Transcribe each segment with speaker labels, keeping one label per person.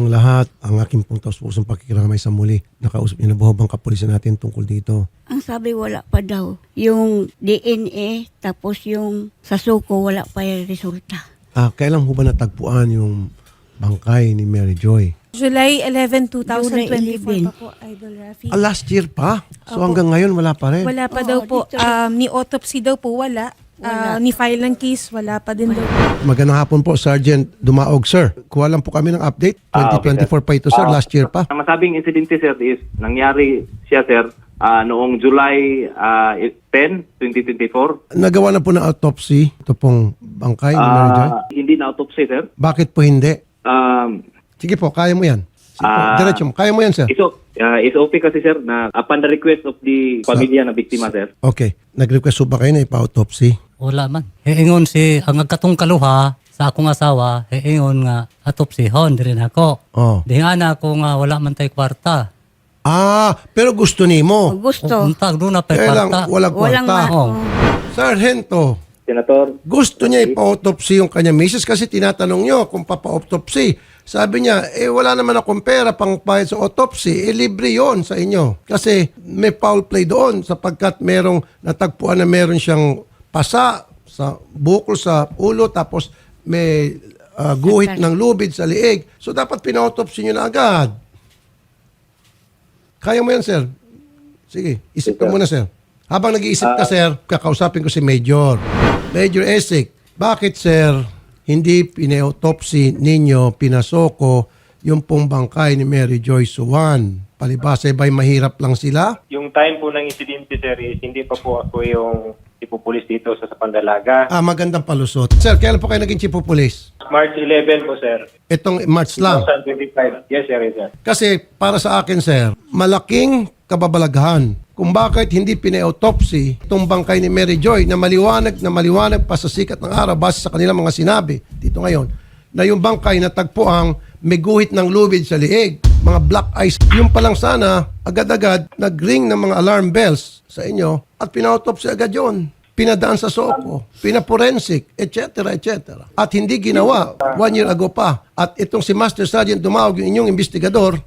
Speaker 1: ang lahat, ang aking pong taus-pusong pakikiramay sa muli. Nakausap niyo na buho bang kapulisan natin tungkol dito?
Speaker 2: Ang sabi wala pa daw. Yung DNA, tapos yung sa suko, wala pa yung resulta.
Speaker 1: Kailan ho ba natagpuan yung bangkay ni Mary Joy?
Speaker 3: July 11,
Speaker 2: July
Speaker 3: 2024 pa po, Idol Rafi.
Speaker 1: Last year pa? So
Speaker 3: Opo.
Speaker 1: hanggang ngayon wala pa rin?
Speaker 3: Wala pa
Speaker 2: Oo,
Speaker 3: daw po.
Speaker 2: dito.
Speaker 3: Ni-autopsy daw po, wala.
Speaker 2: Wala.
Speaker 3: Ni-file ng case, wala pa din daw.
Speaker 1: Magandang hapon po, Sergeant Dumaog, sir. Kuha lang po kami ng update. 2024 pa ito, sir. Last year pa.
Speaker 4: Ang masabing insidente, sir, is nangyari siya, sir, noong July 10, 2024.
Speaker 1: Nagawa na po ng autopsy ito pong bangkay ni Mary Joy?
Speaker 4: Hindi na autopsy, sir.
Speaker 1: Bakit po hindi?
Speaker 4: Um,
Speaker 1: Sige po, kaya mo yan. Sige po, diretso mo. Kaya mo yan, sir.
Speaker 4: It's okay kasi, sir, na upon the request of the pamilya na biktima, sir.
Speaker 1: Okay. Nag-request po ba kayo na ipa-autopsy?
Speaker 5: Wala man. Hiingon si ang katong kaluha sa akong asawa, hiingon nga atopsihon diri na ako.
Speaker 1: Oh.
Speaker 5: Di nga na ako nga wala man tay kwarta.
Speaker 1: Pero gusto nimo.
Speaker 2: Gusto.
Speaker 5: Untag doon na pay
Speaker 1: Kaya lang,
Speaker 5: kwarta.
Speaker 1: walang
Speaker 2: Walang
Speaker 1: kwarta.
Speaker 5: Oo.
Speaker 1: Sargento,
Speaker 4: Senator,
Speaker 1: gusto niya ipa-autopsy yung kanya misis kasi tinatanong niyo kung papa-autopsy. Sabi niya, wala naman akong pera pang bayad sa autopsy. Libre yon sa inyo. Kasi may foul play doon sapagkat merong natagpuan na meron siyang pasa sa bukol sa ulo tapos may guhit ng lubid sa liig. So dapat pina-autopsy niyo na agad. Kaya mo yan, sir. Sige, isip ka muna, sir. Habang nag-iisip ka, sir, kakausapin ko si Major. Major Esik, bakit, sir, hindi pina-autopsy ninyo, pinasoko, yung pong bangkay ni Mary Joy Suwan? Palibasa ba'y mahirap lang sila?
Speaker 6: Yung time po ng insidente, sir, is hindi pa po ako yung ipupulis dito sa Pandalaga.
Speaker 1: Magandang palusot. Sir, kailan po kayo naging chief of police?
Speaker 6: March 11 po, sir.
Speaker 1: Itong March lang.
Speaker 6: 2025. Yes, sir, yes, sir.
Speaker 1: Kasi para sa akin, sir, malaking kababalaghan kung bakit hindi pina-autopsy itong bangkay ni Mary Joy na maliwanag pa sa sikat ng araw base sa kanilang mga sinabi dito ngayon na yung bangkay na tagpuang may guhit ng lubid sa liig, mga black eyes. Yung pa lang sana, agad-agad nag-ring ng mga alarm bells sa inyo at pina-autopsy agad yon. Pinadaan sa SOCO, pinaporensik, etc., etc. At hindi ginawa 1 year ago pa. At itong si Master Sergeant Dumaog, yung inyong investigador,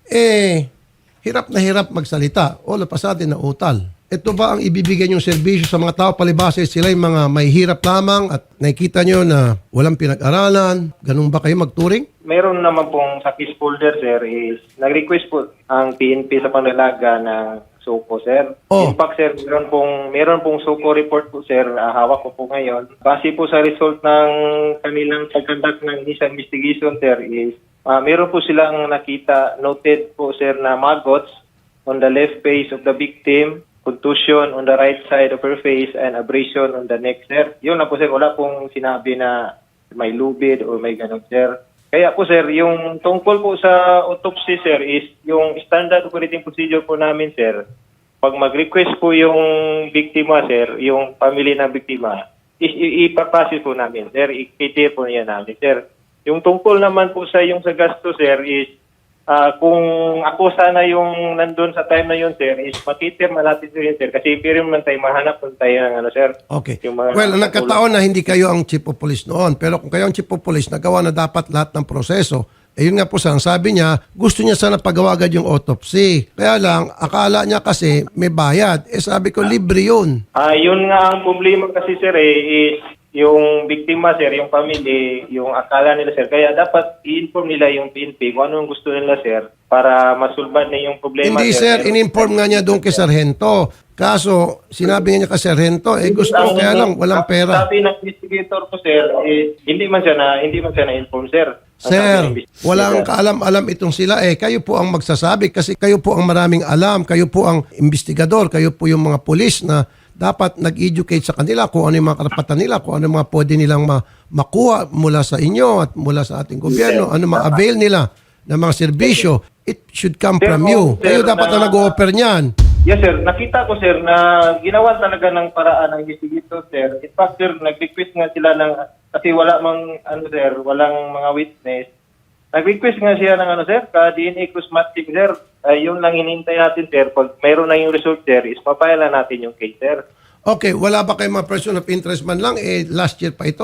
Speaker 1: hirap na hirap magsalita. All of a sudden na utal. Ito ba ang ibibigay niyong serbisyo sa mga tao palibasa sila yung mga may hirap lamang at nakikita niyo na walang pinag-aralan? Ganun ba kayo magturing?
Speaker 6: Meron naman pong sa case folder, sir, is nag-request po ang PNP sa Pandalaga ng SOCO, sir.
Speaker 1: Oh.
Speaker 6: In fact, sir, meron pong SOCO report po, sir, hawak ko po ngayon. Base po sa result ng kanilang pag-conduct ng isang investigation, sir, is meron po silang nakita, noted po, sir, na maggots on the left face of the victim, contusion on the right side of her face, and abrasion on the neck, sir. Yun na po, sir. Wala pong sinabi na may lubid o may ganun, sir. Kaya po, sir, yung tungkol po sa autopsy, sir, is yung standard operating procedure po namin, sir. Pag mag-request po yung biktima, sir, yung family ng biktima, is ipapasis po namin, sir. I-clear po niya namin, sir. Yung tungkol naman po sa yung sa gasto, sir, is kung ako sana yung nandun sa time na yun, sir, is matitirma natin yun, sir. Kasi pero man tayo mahanap kung tayo ng ano, sir.
Speaker 1: Okay.
Speaker 6: Yung mga
Speaker 1: Well, nagkataon na hindi kayo ang chief of police noon. Pero kung kayo ang chief of police, nagawa na dapat lahat ng proseso. Yun nga po, ang sabi niya, gusto niya sana pagawa agad yung autopsy. Kaya lang, akala niya kasi may bayad. Sabi ko, libre yun.
Speaker 6: Yun nga ang problema kasi, sir, is yung biktima, sir, yung family, yung akala nila, sir. Kaya dapat i-inform nila yung PNP kung ano yung gusto nila, sir, para masulban na yung problema,
Speaker 1: Hindi, sir. In-inform nga niya doon kay Sargento. Kaso, sinabi niya kay Sargento, gusto ko kaya lang, walang pera.
Speaker 6: Sabi ng investigator ko, sir, hindi man siya na-inform, sir.
Speaker 1: Sir, walang kaalam-alam itong sila. Kayo po ang magsasabi kasi kayo po ang maraming alam. Kayo po ang investigador. Kayo po yung mga pulis na dapat nag-educate sa kanila kung ano yung mga karapatan nila, kung ano yung mga pwede nilang makuha mula sa inyo at mula sa ating gobyerno, ano ma-avail nila ng mga serbisyo. It should come from you. Kayo dapat na nag-o-offer niyan.
Speaker 6: Yes, sir. Nakita ko, sir, na ginawa talaga ng paraan ng investigator, sir. In fact, sir, nag-request nga sila ng, kasi wala mang, sir, walang mga witness. Nag-request nga siya ng, sir, ka-DNA cosmetic, sir. Yun lang hinihintay natin, sir. Pag mayroon na yung result, sir, is papailan natin yung case, sir.
Speaker 1: Okay, wala ba kayong mga person of interest man lang? Last year pa ito.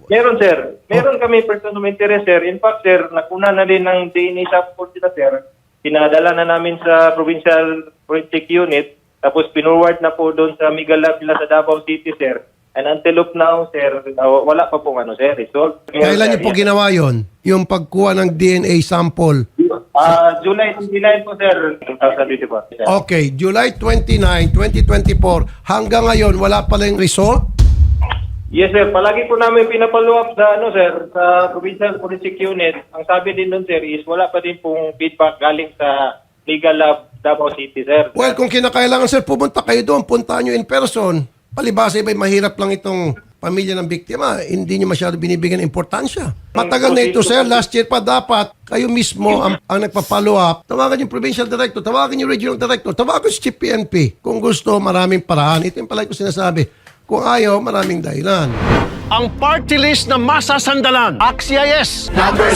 Speaker 6: Meron, sir. Meron kami person of interest, sir. In fact, sir, nakuna na din ng DNA sample sila, sir. Pinadala na namin sa Provincial Forensic Unit, tapos pinurward na po doon sa Mega Lab nila sa Davao City, sir. And until of now, sir, wala pa pong sir, result.
Speaker 1: Kailan niyo po ginawa yon? Yung pagkuha ng DNA sample?
Speaker 6: July 29 po, sir. 2024. Sir.
Speaker 1: Okay, July 29, 2024. Hanggang ngayon, wala pa lang result?
Speaker 6: Yes, sir. Palagi po namin pinapalo up sa, sir, sa Provincial Forensic Unit. Ang sabi din doon, sir, is wala pa din pong feedback galing sa Legal Lab Davao City, sir.
Speaker 1: Well, kung kinakailangan, sir, pumunta kayo doon, puntahan nyo in person. Palibasa iba'y mahirap lang itong pamilya ng biktima. Hindi nyo masyado binibigyan ng importansya. Matagal na ito, sir. Last year pa dapat kayo mismo ang nagpa-follow up. Tawagan yung provincial director, tawagan yung regional director, tawagan si Chief PNP. Kung gusto, maraming paraan. Ito yung pala ko sinasabi. Kung ayaw, maraming dahilan.
Speaker 7: Ang party list na masasandalan. AXIS!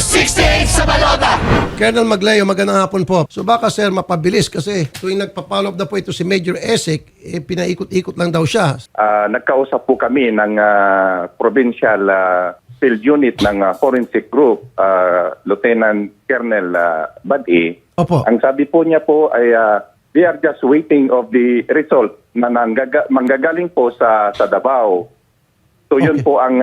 Speaker 1: Colonel Magleo, magandang hapon po. So baka sir, mapabilis kasi tuwing nagpa-follow up na po ito si Major Esek, pinaikot-ikot lang daw siya.
Speaker 8: Nagkausap po kami ng Provincial Field Unit ng Forensic Group, Lieutenant Colonel Badi.
Speaker 1: Opo.
Speaker 8: Ang sabi po niya po ay they are just waiting of the result na manggagaling po sa Davao. So yun
Speaker 1: Okay.
Speaker 8: po ang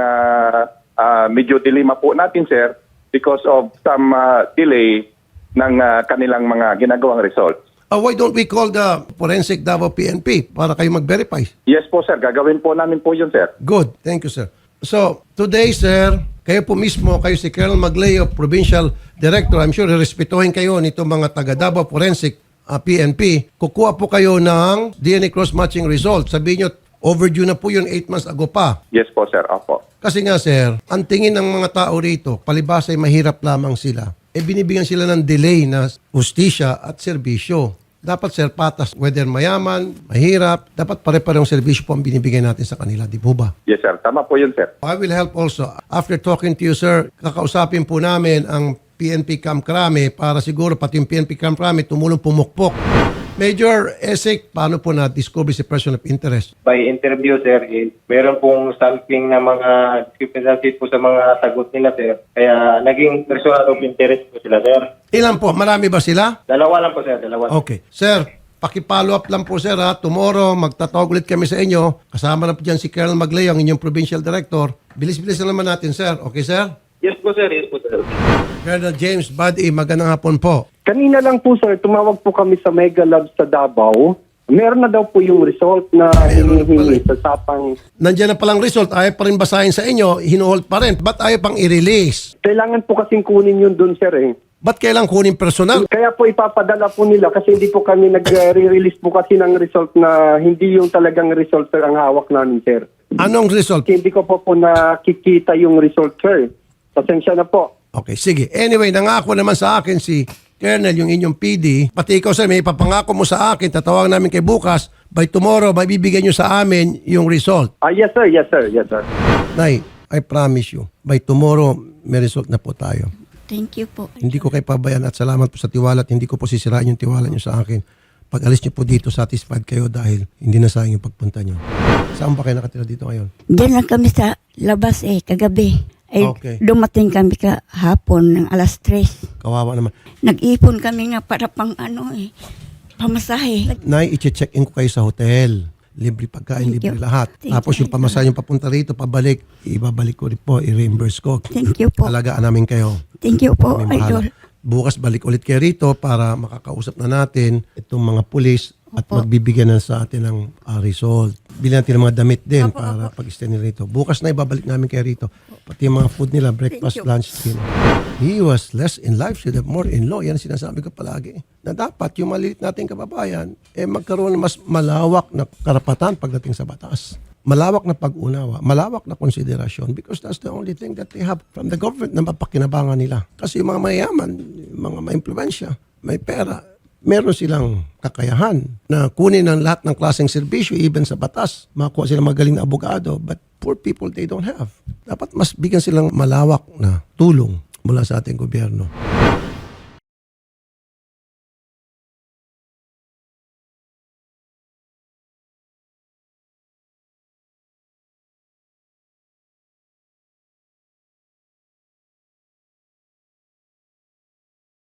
Speaker 8: medyo dilema po natin, sir, because of some delay ng kanilang mga ginagawang results.
Speaker 1: Why don't we call the Forensic Davao PNP para kayo mag-verify?
Speaker 8: Yes po, sir. Gagawin po namin po yun, sir.
Speaker 1: Good. Thank you, sir. So, today, sir, kayo po mismo, kayo si Colonel Magleo, Provincial Director, I'm sure respetuhin kayo nito mga taga Davao Forensic PNP. Kukuha po kayo ng DNA cross-matching result. Sabihin nyo, overdue na po yun 8 months ago pa.
Speaker 8: Yes po, sir. Opo.
Speaker 1: Kasi nga, sir, ang tingin ng mga tao rito, palibasa ay mahirap lamang sila. Binibigyan sila ng delay na ustisya at serbisyo. Dapat, sir, patas. Whether mayaman, mahirap, dapat pare-parehong serbisyo po ang binibigay natin sa kanila. Di po ba?
Speaker 8: Yes, sir. Tama po yun, sir.
Speaker 1: I will help also. After talking to you, sir, kakausapin po namin ang PNP Camp Crame para siguro pati yung PNP Camp Crame tumulong pumukpok. Major Esek, paano po na-discover si person of interest?
Speaker 6: By interview, sir, meron pong something na mga discrepancies po sa mga sagot nila, sir. Kaya naging person of interest po sila, sir.
Speaker 1: Ilan po? Marami ba sila?
Speaker 6: Dalawa lang po, sir. Dalawa.
Speaker 1: Okay. Sir, paki-follow up lang po, sir, ha. Tomorrow, magtatawag ulit kami sa inyo. Kasama na po dyan si Colonel Magleo, ang inyong provincial director. Bilis-bilis na naman natin, sir. Okay, sir?
Speaker 6: Yes po, sir. Yes po, sir.
Speaker 1: Colonel James Badi, magandang hapon po.
Speaker 9: Kanina lang po, sir, tumawag po kami sa Mega Lab sa Davao. Meron na daw po yung result na hinihingi sa sapang.
Speaker 1: Nandiyan na palang result. Ayaw pa rin basahin sa inyo. Hinuhold pa rin. Ba't ayaw pang i-release?
Speaker 9: Kailangan po kasing kunin yun dun, sir, eh.
Speaker 1: Ba't kailang kunin personal?
Speaker 9: Kaya po ipapadala po nila kasi hindi po kami nag-release po kasi ng result na hindi yung talagang result, sir, ang hawak namin, sir.
Speaker 1: Anong result?
Speaker 9: Kasi hindi ko po nakikita yung result, sir. Pasensya na po.
Speaker 1: Okay, sige. Anyway, nangako naman sa akin si Colonel, yung inyong PD. Pati ikaw, sir, may papangako mo sa akin. Tatawag namin kay bukas. By tomorrow, may bibigyan nyo sa amin yung result.
Speaker 9: Yes, sir. Yes, sir. Yes, sir.
Speaker 1: Nay, I promise you, by tomorrow, may result na po tayo.
Speaker 2: Thank you po.
Speaker 1: Hindi ko kayo pabayaan at salamat po sa tiwala at hindi ko po sisirain yung tiwala nyo sa akin. Pag alis nyo po dito, satisfied kayo dahil hindi na sayang yung pagpunta nyo. Saan ba kayo nakatira dito ngayon?
Speaker 2: Diyan lang kami sa labas kagabi.
Speaker 1: Okay.
Speaker 2: Dumating kami kahapon ng alas 3.
Speaker 1: Kawawa naman.
Speaker 2: Nag-ipon kami nga para pang pamasahe.
Speaker 1: Nay, i-check-in ko kayo sa hotel. Libre pagkain,
Speaker 2: Thank
Speaker 1: libre
Speaker 2: you.
Speaker 1: lahat.
Speaker 2: Thank
Speaker 1: Tapos
Speaker 2: you.
Speaker 1: yung pamasahe yung papunta rito, pabalik, ibabalik ko rin po, i-reimburse ko.
Speaker 2: Thank you po.
Speaker 1: Alagaan namin kayo.
Speaker 2: Thank you po,
Speaker 1: Kami bahala.
Speaker 2: Idol.
Speaker 1: Bukas balik ulit kayo rito para makakausap na natin itong mga pulis at
Speaker 2: Opo.
Speaker 1: magbibigyan na sa atin ng result. Bilhin natin ng mga damit din para pag-stay nila rito. Bukas na ibabalik namin kayo rito. Pati yung mga food nila, breakfast,
Speaker 2: Thank you.
Speaker 1: lunch, dinner. He was less in life, should have more in law. Yan ang sinasabi ko palagi. Na dapat yung maliit nating kababayan, magkaroon ng mas malawak na karapatan pagdating sa batas. Malawak na pag-unawa, malawak na konsiderasyon because that's the only thing that they have from the government na mapakinabangan nila. Kasi yung mga mayaman, yung mga ma-impluensya, may pera, meron silang kakayahan na kunin ng lahat ng klaseng serbisyo, even sa batas. Makuha silang magaling na abogado, but poor people, they don't have. Dapat mas bigyan silang malawak na tulong mula sa ating gobyerno.